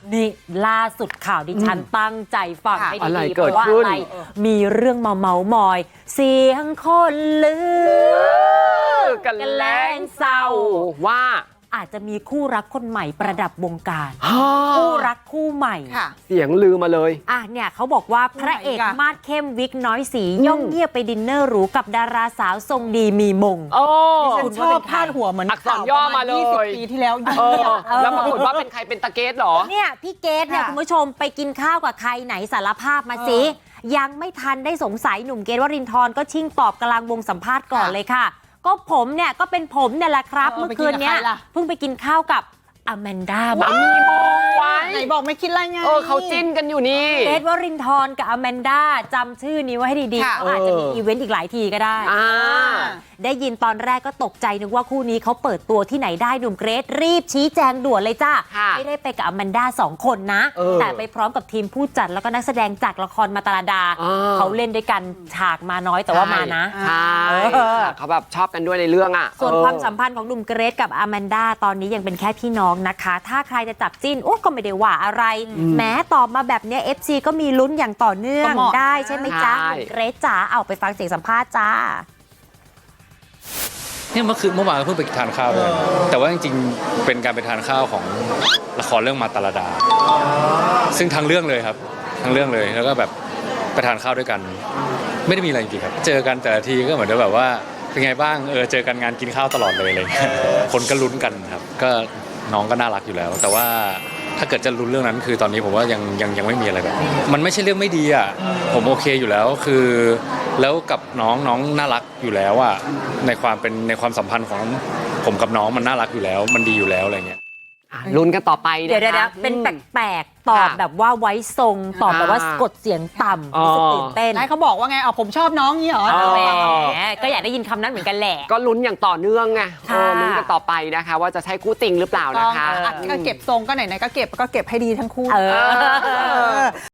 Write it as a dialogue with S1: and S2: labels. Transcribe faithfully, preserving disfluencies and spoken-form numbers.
S1: นี่ล่าสุดข่าวดิฉันตั้งใจฟังให้
S2: อะไร
S1: ดีๆเพ
S2: เกิด
S1: ราะว่า
S2: ขึ้น
S1: อะไรมีเรื่องเมาเมามอย เสียงคนลือ
S2: กันแล้งเศร้าว่า
S1: อาจจะมีคู่รักคนใหม่ประดับวงการ
S2: ฮ่า
S1: คู่รักคู่ใหม่
S3: ค่ะ
S2: เสียงลือมาเลย
S1: อ่ะเนี่ยเขาบอกว่าพระเอก
S3: คู่ไหนอีกอะ
S1: มาดเข้มวิกน้อยสีย่องเงียบไปดินเนอร์หรูกับดาราสาวทรงดีมีมง
S2: โอ้
S3: ฉันชอบพาดหัวเหมือน
S2: อักษรย่อมาเลย
S3: ยี่สิบปีที่แล้ว
S2: เออแล้วปรากฏว่าเป็นใครเป็นตะเกตเหรอ
S1: เนี่ยพี่เกดเนี่ย
S3: ค่ะ
S1: คุณผู้ชมไปกินข้าวกับใครไหนสารภาพมาสิ ยังไม่ทันได้สงสัยหนุ่มเกดวรินทร์ก็ชิ่งตอบกลางวงสัมภาษณ์ก่อนเลยค่ะ ก็ผมเนี่ยก็เป็นผมเนี่ยแหละครับ
S3: เออ
S1: เมื่อคืนเนี้ย
S3: ไปกินกับใครล่ะ
S1: เพิ่งไปกินข้าวกับอแมนดา
S2: ว้าวมีมงไว้
S3: ไหนบอกไม่คิดอะไรไง
S2: เออเขาจิ้นกันอยู่นี่
S1: เกดวรินทร์กับอแมนดาจำชื่อนี้ไว้ให้ดีๆ
S3: ค่ะ
S1: เขาอาจจะมีอีเวนต์อีกหลายทีก็ได้
S2: อ่า
S1: ได้ยินตอนแรกก็ตกใจนึกว่าคู่นี้เขาเปิดตัวที่ไหนได้หนุ่มเกรซรีบชี้แจงด่วนเลยจ้า
S2: ค่ะ
S1: ไม่ได้ไปกับอแมนด้าสองคนนะ
S2: เออ
S1: แต่ไปพร้อมกับทีมผู้จัดแล้วก็นักแสดงจากละครมาตาลาดา
S2: อ่า
S1: เขาเล่นด้วยกันฉากมาน้อยแต่ว่ามานะ
S2: ใช่
S1: เออ
S2: เขาแบบชอบกันด้วยในเรื่องอ่ะ
S1: ส่วน
S2: เออ
S1: ความสัมพันธ์ของหนุ่มเกรซกับอแมนด้าตอนนี้ยังเป็นแค่พี่น้องนะคะ ถ้าใครจะจับจิ้นโอ้ก็ไม่ได้ว่าอะไรแม้ตอบมาแบบเนี้ย เอฟ ซี ก็มีลุ้นอย่างต่อเนื่อง
S3: ก็เหมาะ
S1: ได้ใช่ไหมจ๊ะ
S2: ใช่
S1: หนุ่มเกรซจ๋าเอาไปฟังเสียงสัมภาษณ์จ้า
S4: เนี่ยเมื่อคืนเมื่อวานก็เพิ่งไปทานข้าวด้วยแต่ว่าจริงๆเป็นการไปทานข้าวของละครเรื่องมาตาลาดา ซึ่งทั้งเรื่องเลยครับทั้งเรื่องเลยแล้วก็แบบไปทานข้าวด้วยกัน ไม่ได้มีอะไรจริงๆครับเจอกันแต่ละทีก็เหมือนแบบว่าเป็นไงบ้างเออเจอกันงานกินข้าวตลอดเลยอะไรอย่างเงี้ยคนก็ลุ้นกันครับก็น้องก็น่ารักอยู่แล้ว แต่ว่าถ้าเกิดจะลุ้นเรื่องนั้นคือตอนนี้ผมว่ายังยังยังไม่มีอะไรแบบมันไม่ใช่เรื่องไม่ดีอ่ะผมโอเคอยู่แล้วคือแล้วกับน้องน้องน่ารักอยู่แล้วอ่ะในความเป็นในความสัมพันธ์ของผมกับน้องมันน่ารักอยู่แล้ว มันดีอยู่แล้วอะไรเงี้ย
S2: อ่ะลุ้นกันต่อไปนะคะ
S1: เดี๋ยวเดี๋ยวๆเป็นแปลกๆ ตอบ
S2: ค่ะ
S1: แบบว่าไว้ทรง ตอบแบบว่า
S2: อ่าก
S1: ดเสียงต่ำ
S2: อ๋อ
S1: รู้สึกตื่นเต้น
S3: นายเขาบอกว่าไงอ๋อผมชอบน้องนี่เหรอ
S2: อ๋อ
S1: แหมก็อยากได้ยินคำนั้นเหมือนกันแหละ
S2: ก็ลุ้นอย่างต่อเนื่องไง
S1: ค่ะ
S2: เออลุ้นกันต่อไปนะคะ ว่าจะใช่คู่จริงหรือเปล่า
S3: ต้
S2: นะ
S3: อง
S2: คะ
S3: อัดก็เก็บทรงก็ไหนๆก็เก็บก็เก็บให้ดีทั้งคู่
S1: เออ